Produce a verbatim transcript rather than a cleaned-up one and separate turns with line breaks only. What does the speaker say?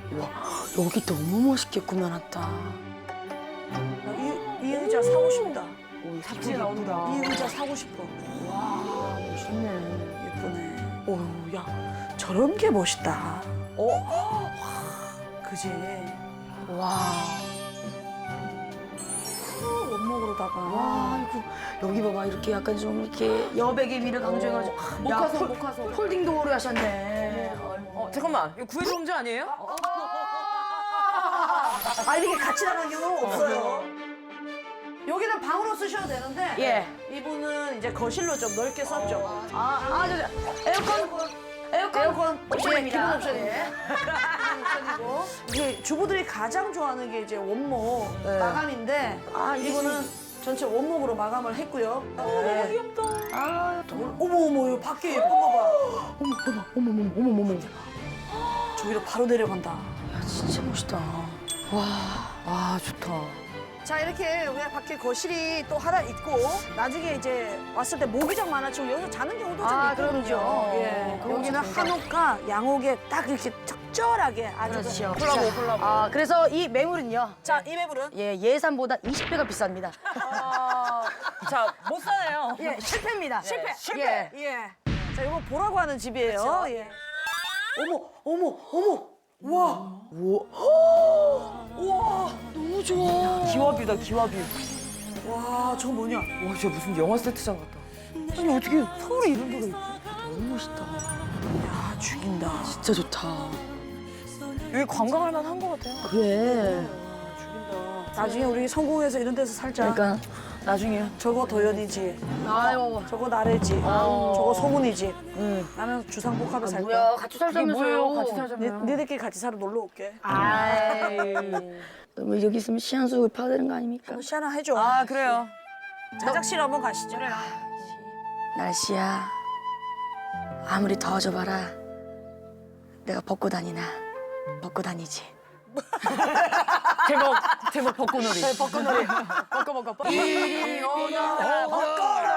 와, 여기 너무 멋있게 꾸며놨다.
이, 이 의자 사고 싶다.
오,
잡지에 나온다.
이 의자 사고 싶어.
와, 멋있네.
예쁘네. 오, 야, 저런 게 멋있다. 어? 와, 그지?
와,
후, 원목으로다가.
와, 이거 여기 봐봐 이렇게 약간 좀 이렇게 여백의 미를 강조해가지고
목화소,
폴-
목화소.
폴딩 도어를 하셨네.
어, 잠깐만. 이거 구해종자 아니에요?
아, 이렇게 같이 나가는 경우는 없어요. 여기는 방으로 쓰셔도 되는데.
예.
이분은 이제 거실로 좀 넓게 썼죠.
아, 아, 저, 저, 에어컨, 에어컨,
에어컨
옵션입니다.
기본 옵션이에요. 옵션이고. 이게 주부들이 가장 좋아하는 게 이제 원목
네.
마감인데
아, 이게
이거는 전체 원목으로 마감을 했고요. 네.
귀엽다.
아, 또,
어머 어머 이 밖에 예쁜 거 봐.
어머, 어머, 어머, 어머, 어머, 어머.
저기로 바로 내려간다.
야, 진짜 멋있다. 와,
아, 좋다.
자 이렇게 우리 밖에 거실이 또 하나 있고 나중에 이제 왔을 때 모기장 많아지고 여기서 자는 경우도 좀
아,
있거든요.
그럼요.
예.
그거
여기는
진짜
한옥과 양옥에 딱 이렇게 적절하게 아주
그렇죠.
콜라보, 콜라보.
아, 그래서 이 매물은요.
자, 이 매물은
예, 예산보다 이십 배가 비쌉니다.
아, 자, 못 사네요.
예, 실패입니다.
실패.
예.
예. 자, 이거 보라고 하는 집이에요. 예. 어머, 어머, 어머. 와. 우와.
너무 좋아.
기와뷰다, 기와뷰.
와, 저거 뭐냐?
와, 진짜 무슨 영화 세트장 같다.
아니, 어떻게 서울에 이런 데가 있지?
너무 멋있다.
야, 죽인다.
진짜 좋다.
여기 관광할 만한 것 같아요.
그래.
죽인다. 나중에 우리 성공해서 이런 데서 살자.
그러니까
나중에요.
저거 도연이지.
아유,
저거 나래지. 저거 소문이지.
응.
나는 주상복합에 살 거야.
뭐야, 같이 살자면서요.
뭐예요? 같이
니,
살자면.
니들끼리 같이 살아 놀러 올게.
아이. 뭐 여기 있으면 시한수를 파야 되는 거 아닙니까?
한번 시 하나 해줘.
아, 그래요.
자작실 한번 가시죠.
날씨야, 아무리 더워져봐라. 내가 벗고 다니나 벗고 다니지.
제목, 제목 벚꽃놀이.
벚꽃놀이. 벗고 벗고 벗고. 이리 오너라
벚꽃놀이.